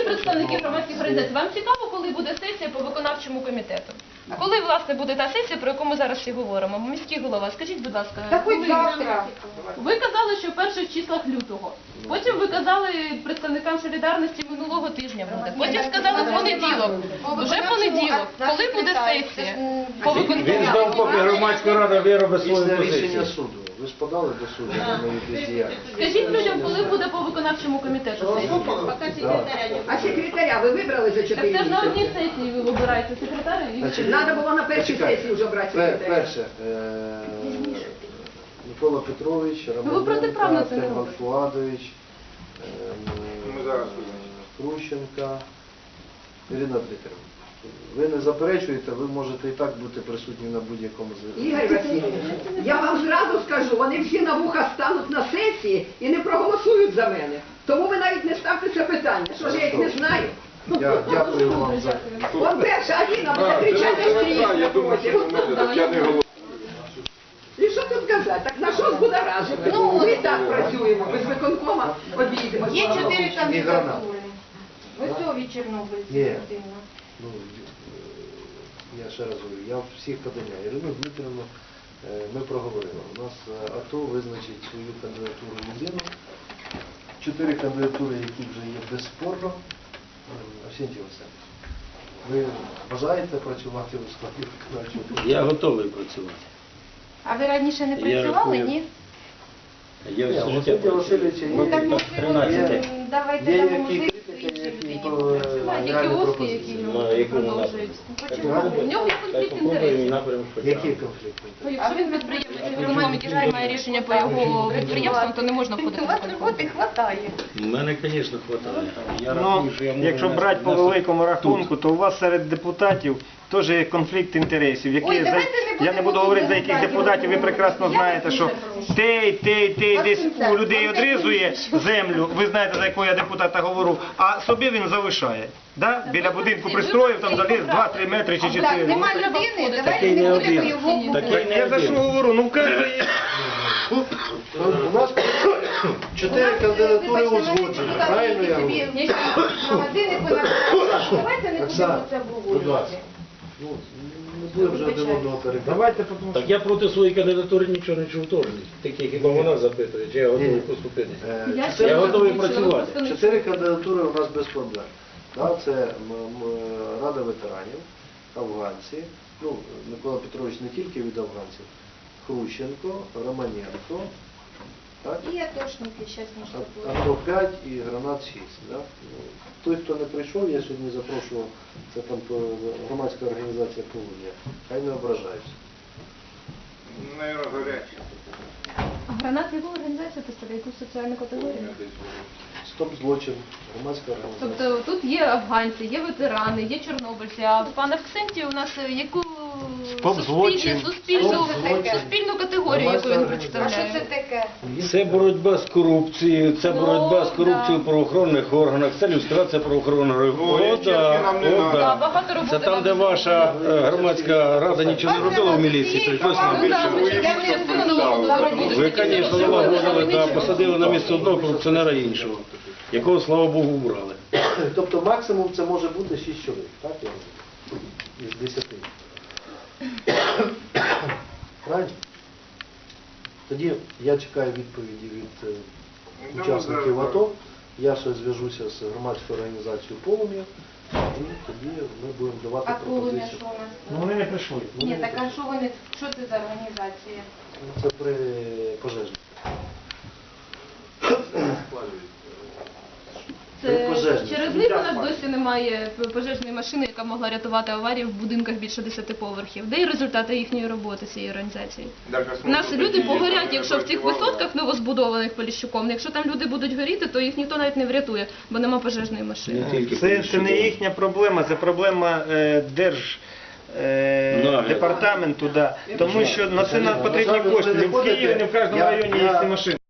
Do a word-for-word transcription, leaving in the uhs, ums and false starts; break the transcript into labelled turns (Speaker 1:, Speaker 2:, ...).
Speaker 1: представники громадських організацій, вам цікаво, коли буде сесія по виконавчому комітету? Коли, власне, буде та сесія, про яку ми зараз всі говоримо? Міський голова, скажіть, будь ласка.
Speaker 2: Та хоч завтра.
Speaker 1: Ви казали, що в перших числах лютого. Потім ви казали представникам солідарності минулого тижня буде. Потім сказали в понеділок. Вже понеділок. Коли буде сесія? По
Speaker 3: Він
Speaker 1: виконавчому.
Speaker 3: ждав, поки громадська рада виробить свою
Speaker 4: Після
Speaker 3: позицію.
Speaker 4: рішення суду. Ви ж подали до суду на мою бездіяльність.
Speaker 1: Скажіть людям, коли буде по виконавчому комітету сесія?
Speaker 2: А секретаря ви вибрали за
Speaker 1: Так
Speaker 2: чотири
Speaker 1: це ж на одній
Speaker 2: місяці?
Speaker 1: сесії ви вибираєте секретаря і...
Speaker 4: Значить,
Speaker 2: Треба було на першій
Speaker 4: Почекайте.
Speaker 2: сесії вже брати
Speaker 4: Пе-
Speaker 2: секретаря.
Speaker 4: Перше, е, Микола Петрович,
Speaker 1: Ну, ви протиправно
Speaker 4: Романенко,
Speaker 1: це не
Speaker 4: Тельман
Speaker 1: робите.
Speaker 4: Фуадович,
Speaker 3: Ми зараз
Speaker 4: Крущенка, Ірина Дмитрівна. Ви не заперечуєте, ви можете і так бути присутні на будь-якому з...
Speaker 2: Ігор Васильович, я вам зразу скажу, вони всі на вуха стануть на сесії і не проголосують за мене. Тому ви навіть не ставте це питання. Що ж я їх не знаю?
Speaker 4: Я дякую вам за...
Speaker 2: Вон перша Аліна буде кричати стрій.
Speaker 3: Я думаю, що ви можете, так я не говорю.
Speaker 2: І що тут казати? Так на що збудоражити? Ну, ми так працюємо, без виконкома обійдемо.
Speaker 5: Є чотири
Speaker 4: І гранат.
Speaker 5: кандидатури. Ось від Чорнобильців
Speaker 4: Є.
Speaker 5: людина.
Speaker 4: Ну, я ще раз говорю, я всіх подання. Ірину Дмитрівну е, ми проговорили. У нас е, АТО визначить свою кандидатуру людину. Чотири кандидатури, які вже є безспорно. Арсентій Васильович, ви бажаєте працювати у складі виконавчого комітету?
Speaker 3: Я готовий працювати.
Speaker 5: А ви раніше не
Speaker 3: Я
Speaker 5: працювали,
Speaker 3: рахую.
Speaker 5: ні?
Speaker 3: Я
Speaker 4: Ні,
Speaker 3: все
Speaker 4: у
Speaker 3: життя
Speaker 4: Арсентія
Speaker 3: працюю.
Speaker 4: Васильовича
Speaker 5: Ну
Speaker 4: є,
Speaker 5: так
Speaker 4: є,
Speaker 5: можливо,
Speaker 4: є,
Speaker 5: давайте
Speaker 4: є
Speaker 5: дамо
Speaker 4: які
Speaker 5: можливість
Speaker 4: критики,
Speaker 5: іншій
Speaker 4: які
Speaker 5: людині
Speaker 4: по
Speaker 5: попрацювати.
Speaker 1: Які
Speaker 4: реальні
Speaker 1: кіоски,
Speaker 4: пропозиції.
Speaker 1: які
Speaker 3: Ну, якому
Speaker 1: продовжують.
Speaker 5: Почему?
Speaker 1: У нього є конфлікт інтересів.
Speaker 4: Які конфлікти?
Speaker 1: Ну, якщо він підприємець, виконком, який приймає рішення по його підприємствам, то не можна входити
Speaker 5: У
Speaker 1: в
Speaker 5: вас
Speaker 1: виконком.
Speaker 5: роботи хватає.
Speaker 3: У мене, звісно, вистачає. Я
Speaker 6: Ну,
Speaker 3: рахую, що я можу
Speaker 6: якщо
Speaker 3: нести-
Speaker 6: брати по
Speaker 3: нести
Speaker 6: великому рахунку, то у вас серед депутатів теж є конфлікт інтересів, які
Speaker 5: Ой,
Speaker 6: за-
Speaker 5: давайте не
Speaker 6: я не
Speaker 5: будемо
Speaker 6: буду говорити за яких
Speaker 5: депутатів.
Speaker 6: депутатів, ви прекрасно
Speaker 5: Я
Speaker 6: знаєте,
Speaker 5: вас
Speaker 6: що
Speaker 5: дуже прошу.
Speaker 6: той, той, той
Speaker 5: Вас
Speaker 6: десь
Speaker 5: кінця,
Speaker 6: у людей
Speaker 5: вам
Speaker 6: одрізує
Speaker 5: так
Speaker 6: землю, ви знаєте, за якого я депутата говорю, а собі він залишає. Да? Біля будинку пристроїв, там заліз два-три метри чи
Speaker 5: Так,
Speaker 6: чотири.
Speaker 5: нема людини, давайте
Speaker 3: Такий
Speaker 5: не
Speaker 3: не
Speaker 5: будемо
Speaker 3: один.
Speaker 5: його
Speaker 3: Такий
Speaker 5: губити.
Speaker 3: не
Speaker 6: Я за що
Speaker 3: один.
Speaker 6: говорю? Ну, в кожного є.
Speaker 4: У нас чотири кандидатури узгоджені, правильно я говорю?
Speaker 5: Магазини понаписали. Давайте не будемо
Speaker 4: Оксана,
Speaker 5: це
Speaker 4: будь ласка.
Speaker 5: обговорювати.
Speaker 4: Ну, не будемо вже один одного перебивати.
Speaker 6: Давайте, тому що...
Speaker 3: Так я проти своєї кандидатури нічого не чув теж. Такі хіба вона запитує, чи я готовий
Speaker 4: Ні.
Speaker 3: поступитися.
Speaker 4: Е,
Speaker 1: Я
Speaker 4: чотири-
Speaker 3: Я готовий
Speaker 1: ще раз
Speaker 3: працювати.
Speaker 1: просто не
Speaker 4: Чотири кандидатури у нас без проблем. Да, це м, м, Рада ветеранів, афганці, ну, Микола Петрович не тільки від афганців, Хрущенко, Романенко, так?
Speaker 5: І атошники зараз не штукують.
Speaker 4: АТО п'ять і гранат шість. Да? Ну, той, хто не прийшов, я сьогодні запрошував, це там по- громадська організація «Полудня», хай не ображаються.
Speaker 3: Наверное, гарячі.
Speaker 1: А гранат яку організацію представляє, яку соціальну категорію?
Speaker 4: Стоп злочин, громадська організація.
Speaker 1: Тобто тут є афганці, є ветерани, є чорнобильці, а в пана Ксенті у нас яку
Speaker 6: Стоп злочин.
Speaker 1: суспільну,
Speaker 4: Стоп злочин.
Speaker 1: суспільну категорію, яку він
Speaker 5: А що
Speaker 1: представляє.
Speaker 5: це таке?
Speaker 3: Це боротьба з корупцією, це
Speaker 1: Ну,
Speaker 3: боротьба з
Speaker 1: да.
Speaker 3: корупцією в правоохоронних органах, це люстрація правоохоронних органів. О, да, о,
Speaker 1: Да,
Speaker 3: да.
Speaker 1: багато роботи
Speaker 3: Це там,
Speaker 1: нам
Speaker 3: де ваша е, громадська рада нічого не робила в міліції, прийшлось нам.
Speaker 1: Ну, да, ми частину частину налагодили.
Speaker 3: Ви, звісно, налагодили, да, посадили на місце одного корупціонера іншого, якого, слава Богу, убрали.
Speaker 4: Тобто максимум це може бути шість чоловік, так? Я розумію? Із десяти. Правильно? Тоді я чекаю відповіді від е, учасників АТО. Я ще зв'яжуся з громадською організацією «Полум'я», і тоді ми будемо давати
Speaker 5: А полум'я
Speaker 4: пропозицію.
Speaker 5: що у нас?
Speaker 6: Ну, вони не прийшли.
Speaker 5: Ні, так а що вони, що це за організація?
Speaker 4: Це при пожежі.
Speaker 1: Це
Speaker 4: Пожежні.
Speaker 1: через них у нас досі немає пожежної машини, яка могла рятувати аварії в будинках більше десяти поверхів. Де і результати їхньої роботи цієї організації? У нас люди погорять, якщо в цих висотках новозбудованих Поліщуком, якщо там люди будуть горіти, то їх ніхто навіть не врятує, бо нема пожежної машини.
Speaker 3: Не тільки
Speaker 6: Це, це не їхня проблема, це проблема е, держ... е,
Speaker 3: Нагляд.
Speaker 6: департаменту, да. Тому що на це нам потрібні
Speaker 4: На жаль,
Speaker 6: кошти.
Speaker 4: ви
Speaker 6: Не в Києві, не в кожному
Speaker 4: Я-
Speaker 6: районі
Speaker 4: я-
Speaker 6: є ці машини.